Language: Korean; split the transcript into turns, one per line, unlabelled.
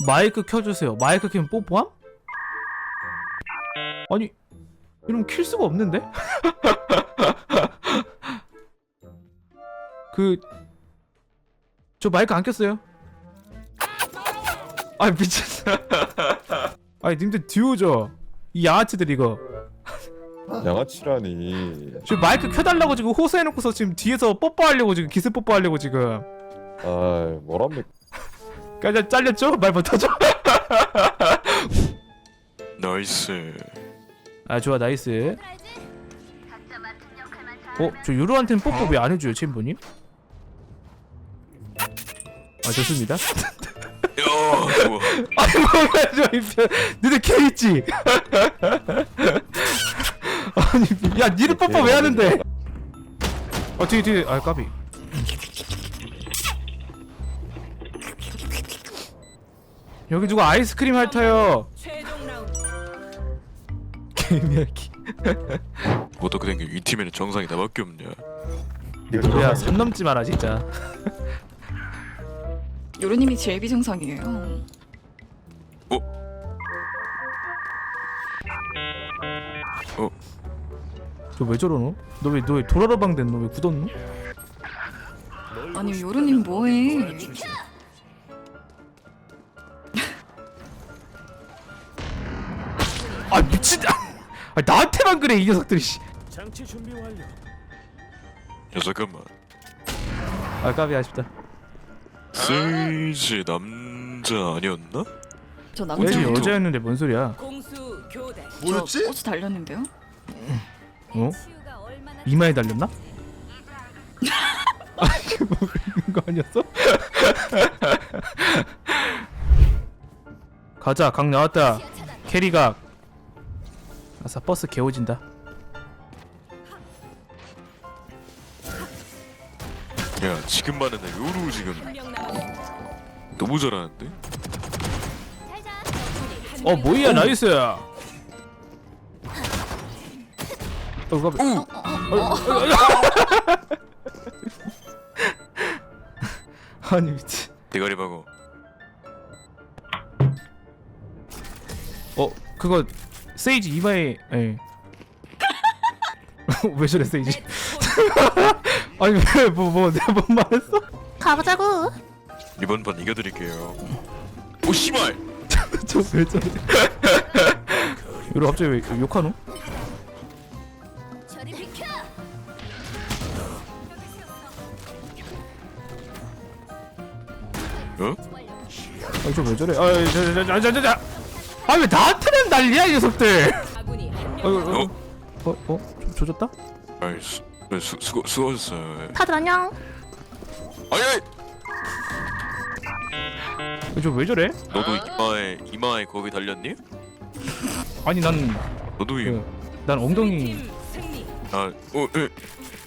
마이크 켜주세요. 마이크 켜면 뽀뽀함? 아니 이러면 킬 수가 없는데? 저 마이크 안 켰어요. 아이 미쳤어. 아니 님들 듀오죠? 이 양아치들 이거.
양아치라니.
지금 마이크 켜달라고 지금 호소해놓고서 지금 뒤에서 뽀뽀하려고 지금 기습 뽀뽀하려고 지금.
아, 뭐랍니까?
그냥 잘렸죠? 말 못하죠?
나이스.
아 좋아 나이스. 저 유로한테는 뽀뽀 왜 안 해줘요 챔버님? 아 좋습니다.
야, 좋아.
아니 뭐야 저 이편 니네 개 있지? 아니 야 니네 뽀뽀 왜 하는데? 뒤에 아 까비. 여기 누가 아이스크림 핥아요. 개미야기.
어떻게 된 게 이 팀에는 정상이 나밖에 없냐?
야 선 넘지 마라 진짜.
요루님이 제일 비정상이에요.
저 왜 저러노? 너 왜 도라라방 됐노? 왜 굳었노?
아니 요루님 뭐해?
아 미친. 아 나한테만 그래 이 녀석들이. 씨.
야 잠깐만.
아 까비 아쉽다.
세이지 남자 아니었나?
저
왜
남자
여자였는데 뭔 소리야?
뭐였지? 꽃이 달렸는데요?
어? 이마에 달렸나? 아 이게 뭐 그런 거 아니었어? 가자 각 나왔다. 캐리각. 아싸 버스 개오진다.
야 지금 말은 나 요루 지금 너무 잘하는데?
뭐야 나이스. 까비. 아니 미친.
대가리 박어.
그거 세이지 이마에. 예. 왜 저래 세이지? 아니 왜 내가 뭔 말했어?
가보자고.
이번 판 이겨드릴게요. 오 씨발!
저 왜 저래? 이러 갑자기 왜 욕하노?
어?
아니 저 왜 저래? 자자자자자자. 아 왜 나한테는 난리야 이 녀석들? 조졌다?
아이 수고하셨어요.
다들 안녕.
아이!
저 왜 저래?
너도 이마에 거기 달렸니?
아니 난
너도
난 엉덩이.